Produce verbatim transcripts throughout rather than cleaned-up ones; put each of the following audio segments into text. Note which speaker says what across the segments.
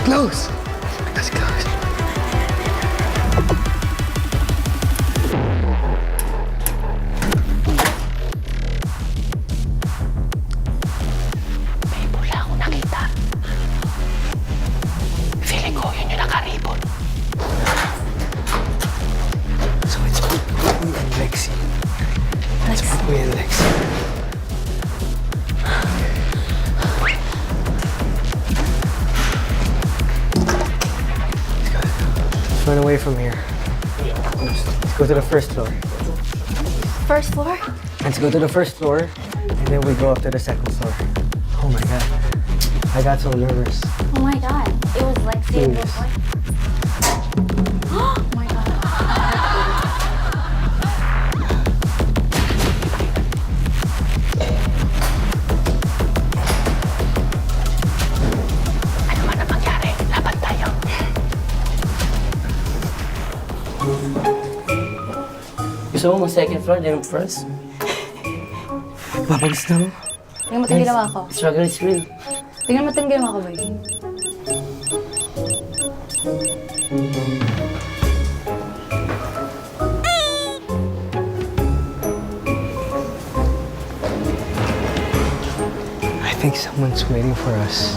Speaker 1: Close! Let's close.
Speaker 2: May pula akong nakita. Feeling ko yun yung nakaribon.
Speaker 1: So it's Poopy and Lexi. It's Poopy and Lexi. Let's run away from here. Let's, let's go to the first floor.
Speaker 3: First floor?
Speaker 1: Let's go to the first floor, and then we go up to the second floor. Oh my god. I got so nervous.
Speaker 3: Oh my god. It was Lexi and
Speaker 1: Please.
Speaker 3: before. Oh my god.
Speaker 2: Ano man ang mangyari, laban tayo.
Speaker 4: Gusto mo mag-second floor, then first?
Speaker 1: Papalis na mo?
Speaker 3: Tingnan mo itong ginawa ko.
Speaker 4: Struggle is real.
Speaker 3: Tingnan mo itong ginawa ko, boy.
Speaker 1: I think someone's waiting for us.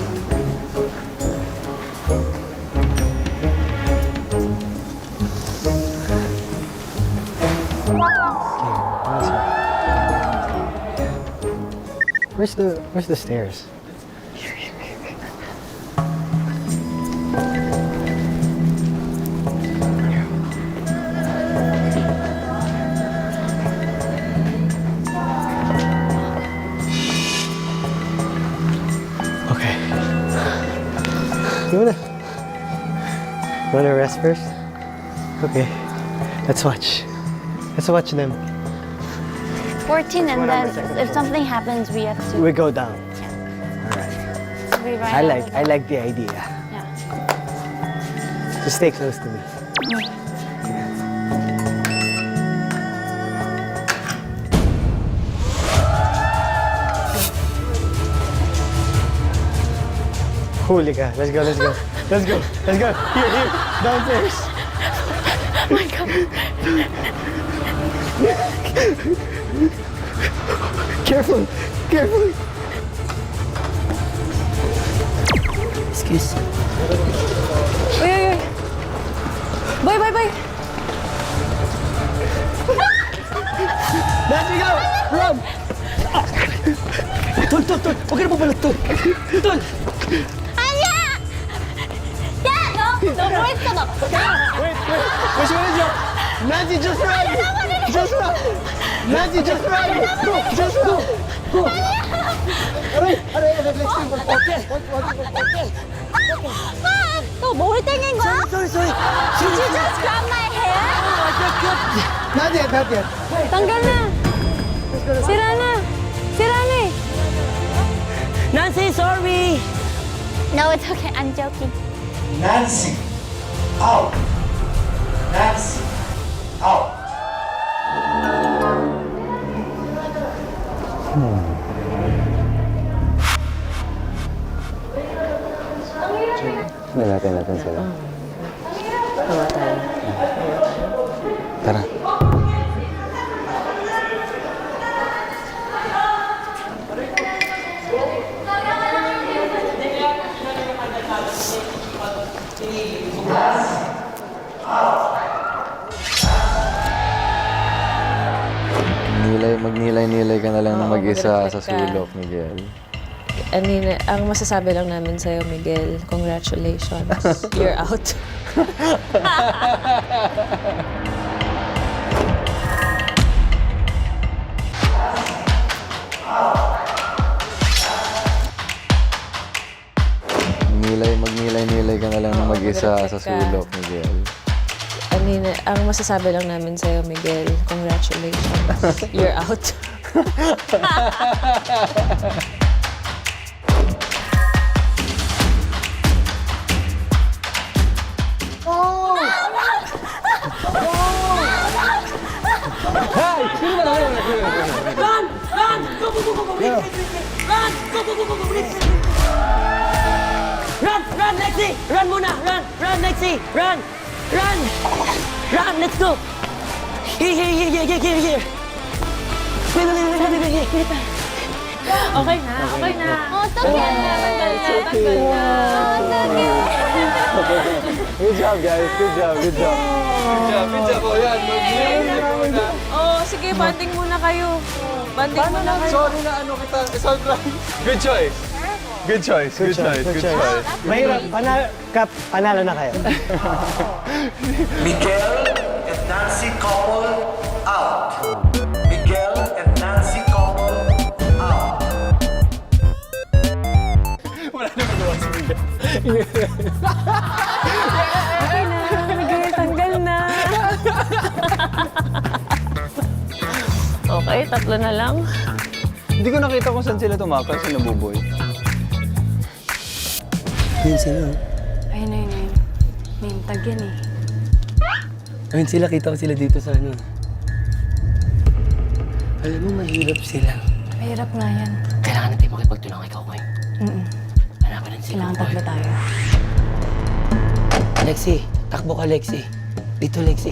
Speaker 1: Where's the Where's the stairs? Okay. You wanna you wanna rest first? Okay. Let's watch. Let's watch them.
Speaker 3: fourteen, and
Speaker 1: One on the
Speaker 3: then
Speaker 1: second
Speaker 3: if
Speaker 1: floor.
Speaker 3: something happens, we have to.
Speaker 1: We go down. All right.
Speaker 3: We ride
Speaker 1: I
Speaker 3: out
Speaker 1: like
Speaker 3: with
Speaker 1: I
Speaker 3: them.
Speaker 1: like the idea.
Speaker 3: Yeah.
Speaker 1: Just stay close to me. Holy ka. Let's go, let's go. Let's go. Let's go. Here, here. Downstairs.
Speaker 3: Oh my god.
Speaker 1: Careful. Careful.
Speaker 4: Excuse me.
Speaker 3: Uy, uy, uy. Boy, boy, boy.
Speaker 1: Let's go. Run. Tol, tol, tol. Huwag ka na pabalot, tol. Tol.
Speaker 3: Anya! Yeah, no. No, wait ka na.
Speaker 1: Wait, wait. Which one is it? Nancy, just run. Just run. Nancy, just run. Go, just go. Go. Aray, aray, aray. Let's go. Okay. Okay.
Speaker 3: 너 뭘 땡긴 거야?
Speaker 1: Sorry, sorry.
Speaker 3: Did you just grab my hair?
Speaker 1: Not yet, not yet.
Speaker 3: tanggal na. Sira na. Sira na eh.
Speaker 4: Nancy, sorry!
Speaker 3: No, it's okay. I'm joking.
Speaker 5: Nancy, out. Nancy, out.
Speaker 6: Nilapin natin sila.
Speaker 4: Tawa tayo.
Speaker 6: Tara. Nilay, magnilay-nilay ka na lang na
Speaker 7: Oo,
Speaker 6: mag-isa sa
Speaker 7: mag-reflect ka.
Speaker 6: sulok, Miguel.
Speaker 7: I mean, ang masasabi lang namin sa'yo, Miguel, congratulations. You're out.
Speaker 6: Nilay, magnilay-nilay ka na lang na
Speaker 7: Oo,
Speaker 6: mag-isa sa
Speaker 7: mag-reflect ka.
Speaker 6: sulok, Miguel.
Speaker 7: I mean, ang masasabi lang namin sa'yo, Miguel, congratulations. You're out.
Speaker 4: Run! Run, Lexi! Run muna! Run! Run, Lexi! Run! Run! Run! Let's go! Here, here, here, here, here, here, here! Wait, wait, wait, wait, wait, wait, wait.
Speaker 7: Okay na, okay na.
Speaker 3: Oh, tanggal na. Tanggal na.
Speaker 7: Tanggal na.
Speaker 3: Oh, tanggal.
Speaker 6: Good job, guys. Good job, good job. Good job, good job. O yan, mag-music muna.
Speaker 7: Oh, sige, banding muna kayo. Banding muna kayo.
Speaker 6: Sorry na ano kita. Isang Good choice. Good choice, good choice, good choice.
Speaker 1: Mahirap. Panalo, Kap, panalo na kayo.
Speaker 5: Miguel and Nancy couple out. Miguel and Nancy couple out.
Speaker 6: Wala na magawa si Miguel.
Speaker 7: Okay na, Miguel, tanggal na. Okay, tatlo na lang.
Speaker 6: Hindi ko nakita kung saan sila tumakas sa Nabuboy.
Speaker 4: Ayun sila.
Speaker 7: Ayun, ayun, ayun. May tag yan eh.
Speaker 4: Ayun sila, kita ko sila dito sa ano. Alam mo, mahirap sila.
Speaker 7: Mahirap nga yan.
Speaker 2: Kailangan natin makipagtulong kay Kokoy.
Speaker 7: Mm-mm.
Speaker 2: Hanapan natin si
Speaker 7: Kailangan
Speaker 2: Kokoy.
Speaker 7: tatlo tayo.
Speaker 4: Lexi, takbo ka, Lexi. Dito, Lexi.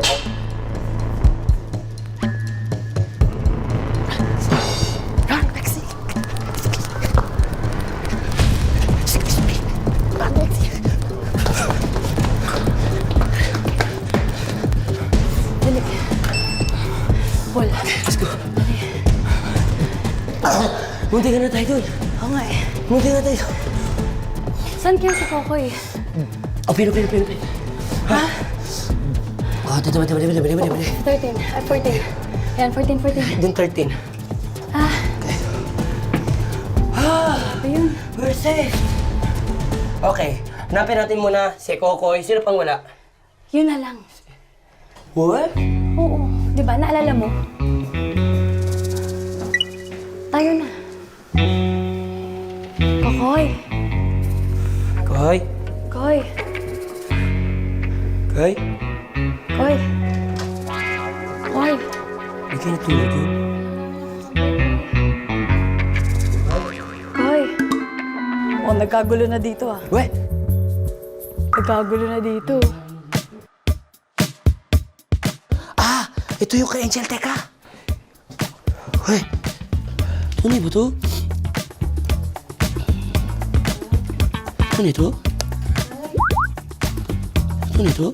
Speaker 4: Run, Lexi. Excuse me. Run, Lexi.
Speaker 7: Dali. Paul.
Speaker 4: Let's go. Munti ka na tayo dun.
Speaker 7: Oo nga eh.
Speaker 4: Munti ka na tayo.
Speaker 7: Saan kayo si Kokoy?
Speaker 4: Oh, pero, pero, pero, pero. Ha? Oh, dito, dito, dito, dito, dito, dito.
Speaker 7: thirteen. Ay, fourteen. Yan, fourteen, fourteen.
Speaker 4: Dun, thirteen.
Speaker 7: Ah.
Speaker 4: Ah,
Speaker 7: Ayun.
Speaker 4: we're safe. Okay, hanapin natin muna si Kokoy. Sino pang wala?
Speaker 7: Yun na lang.
Speaker 4: What?
Speaker 7: Oo. Di ba? Naalala mo? Tayo na. Kokoy.
Speaker 4: Koy?
Speaker 7: Koy.
Speaker 4: Koy?
Speaker 7: Koy. Koy.
Speaker 4: Hindi kayo natulog yun.
Speaker 7: Koy. Oh, nagkagulo na dito ah.
Speaker 4: What?
Speaker 7: Nagkagulo na dito.
Speaker 4: Ah! Ito yung kay Angel, teka! Uy! Tunay ba to? Tunay to? Tunay to?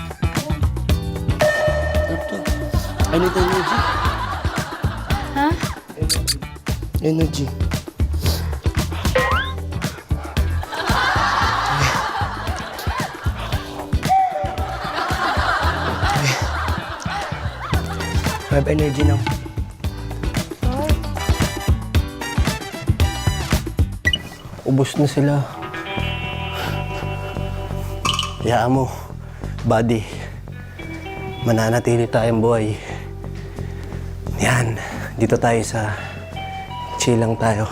Speaker 4: Ano to? I need energy.
Speaker 7: Ha?
Speaker 4: Energy. I have energy now.
Speaker 1: Ubus na sila. Hayaan mo, buddy. Mananatili tayong buhay. Yan, dito tayo sa chill lang tayo.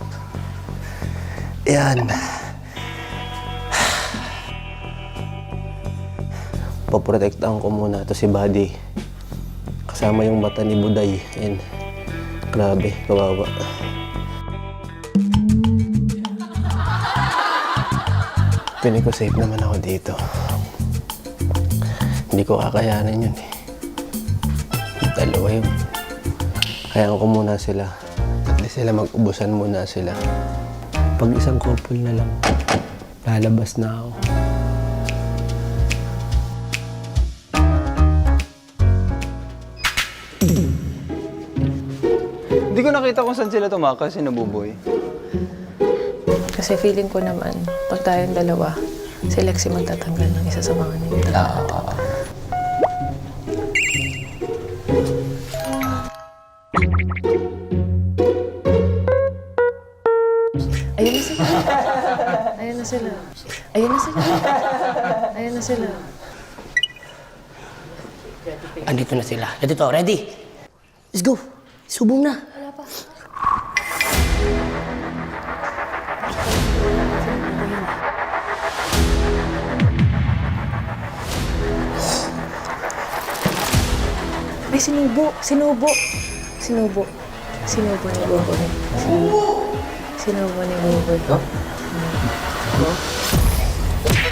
Speaker 1: Yan. Poprotektahan ko muna to si buddy. Kasama yung mata ni Buday. Yan. Grabe, kawawa. Piling ko safe naman ako dito. Hindi ko kakayanan yun eh. Dalawa yun. Hayaan ko muna sila. At least sila mag-ubusan muna sila. Pag isang couple na lang, lalabas na ako.
Speaker 6: Hindi ko nakita kung saan sila tumakas si Nabuboy.
Speaker 7: Kasi feeling ko naman, pag tayong dalawa, si Lexi magtatanggal ng isa sa mga nito.
Speaker 6: Oo.
Speaker 7: Ayun na sila. Ayun na sila. Ayun na sila. Ayun na sila.
Speaker 4: Andito na sila. Andito, ready? Let's go. Subong na.
Speaker 7: Wala pa. May sinubo. Sinubo. Sinubo. Sinubo ni Bobo. Sinubo. Sinubo ni Bobo.